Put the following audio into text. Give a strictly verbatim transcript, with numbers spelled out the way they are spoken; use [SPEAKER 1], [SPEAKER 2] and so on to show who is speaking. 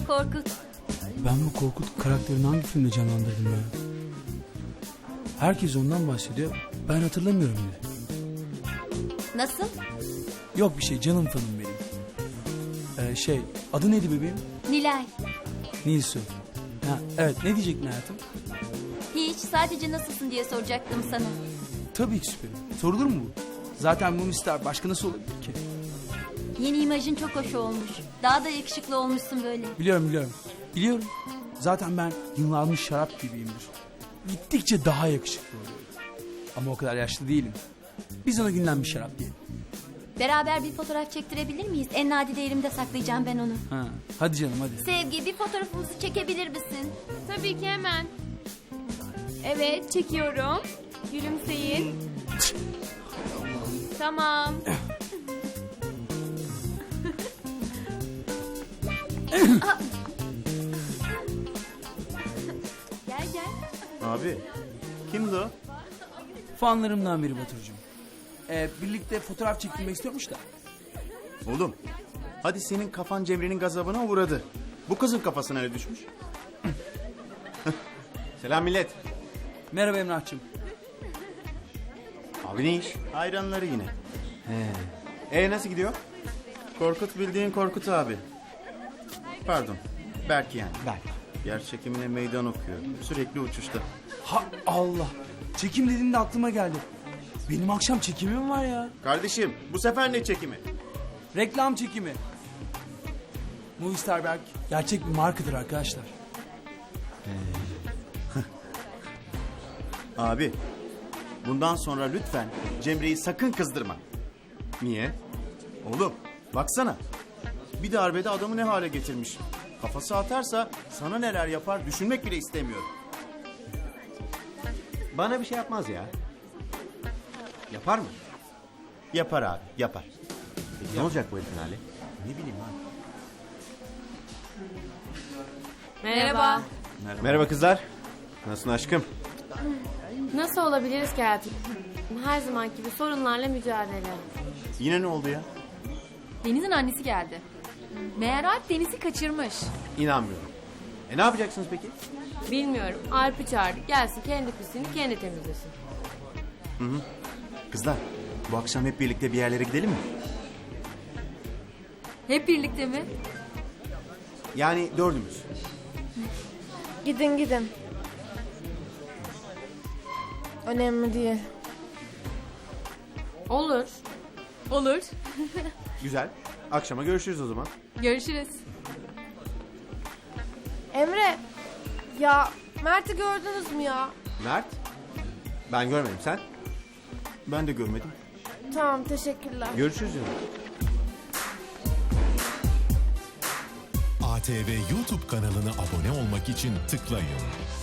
[SPEAKER 1] o Korkut.
[SPEAKER 2] Ben bu Korkut karakterini hangi filmde canlandırdım ya? Herkes ondan bahsediyor. Ben hatırlamıyorum bile.
[SPEAKER 1] Nasıl?
[SPEAKER 2] Yok bir şey, canım fanım benim. Ee, şey, adı neydi bebeğim?
[SPEAKER 1] Nilay.
[SPEAKER 2] Nilsu. Ha, evet, ne diyecektin hayatım?
[SPEAKER 1] Hiç, sadece nasılsın diye soracaktım sana.
[SPEAKER 2] Tabii ki süperim. Sorulur mu bu? Zaten bu mister başka nasıl olabilir ki?
[SPEAKER 1] Yeni imajın çok hoş olmuş. Daha da yakışıklı olmuşsun böyle.
[SPEAKER 2] Biliyorum biliyorum. Biliyorum. Zaten ben yıllanmış şarap gibiyimdir. Gittikçe daha yakışıklı oluyorum. Ama o kadar yaşlı değilim. Biz ona günlenmiş şarap diyelim.
[SPEAKER 1] Beraber bir fotoğraf çektirebilir miyiz? En nadide elimde saklayacağım ben onu.
[SPEAKER 2] Ha, hadi canım hadi.
[SPEAKER 1] Sevgi, bir fotoğrafımızı çekebilir misin?
[SPEAKER 3] Tabii ki hemen. Evet, çekiyorum. Gülümseyin. Tamam. Gel gel.
[SPEAKER 4] Abi kimdi o?
[SPEAKER 2] Fanlarımdan biri Baturcuğum. Ee, birlikte fotoğraf çektirmek istiyormuş da.
[SPEAKER 4] Oğlum hadi senin kafan Cemre'nin gazabına uğradı. Bu kızın kafasına ne düşmüş? Selam millet.
[SPEAKER 2] Merhaba Emrah'cığım.
[SPEAKER 4] Abi ne iş? Hayranları yine. He. E nasıl gidiyor? Korkut bildiğin Korkut abi. Pardon. Berk yani.
[SPEAKER 2] Berk.
[SPEAKER 4] Yer çekimine meydan okuyor. Sürekli uçuşta.
[SPEAKER 2] Ha Allah. Çekim dediğinde aklıma geldi. Benim akşam çekimim var ya.
[SPEAKER 4] Kardeşim bu sefer ne çekimi?
[SPEAKER 2] Reklam çekimi. Movistar Berk gerçek bir markadır arkadaşlar.
[SPEAKER 4] Abi bundan sonra lütfen Cemre'yi sakın kızdırma. Niye? Oğlum baksana. Bir darbede adamı ne hale getirmiş. Kafası atarsa sana neler yapar düşünmek bile istemiyorum.
[SPEAKER 5] Bana bir şey yapmaz ya. Yapar mı?
[SPEAKER 4] Yapar abi yapar.
[SPEAKER 5] Peki ne olacak bu herifin hali?
[SPEAKER 4] Ne bileyim abi.
[SPEAKER 3] Merhaba.
[SPEAKER 5] Merhaba kızlar. Nasılsın aşkım?
[SPEAKER 3] Nasıl olabiliriz ki hayatım? Her zamanki gibi sorunlarla mücadele.
[SPEAKER 4] Yine ne oldu ya?
[SPEAKER 6] Deniz'in annesi geldi. Meğer Alp Deniz'i kaçırmış.
[SPEAKER 5] İnanmıyorum. E ne yapacaksınız peki?
[SPEAKER 3] Bilmiyorum. Alp'i çağırdı. Gelsin kendi pisliğini kendi temizlesin.
[SPEAKER 4] Kızlar bu akşam hep birlikte bir yerlere gidelim mi?
[SPEAKER 6] Hep birlikte mi?
[SPEAKER 4] Yani dördümüz.
[SPEAKER 7] Gidin gidin. Önemli değil.
[SPEAKER 3] Olur.
[SPEAKER 6] Olur.
[SPEAKER 5] Güzel. Akşama görüşürüz o zaman.
[SPEAKER 6] Görüşürüz.
[SPEAKER 7] Emre, ya Mert'i gördünüz mü ya?
[SPEAKER 5] Mert? Ben görmedim, sen?
[SPEAKER 4] Ben de görmedim.
[SPEAKER 7] Tamam, teşekkürler.
[SPEAKER 5] Görüşürüz canım.
[SPEAKER 8] A T V YouTube kanalına abone olmak için tıklayın.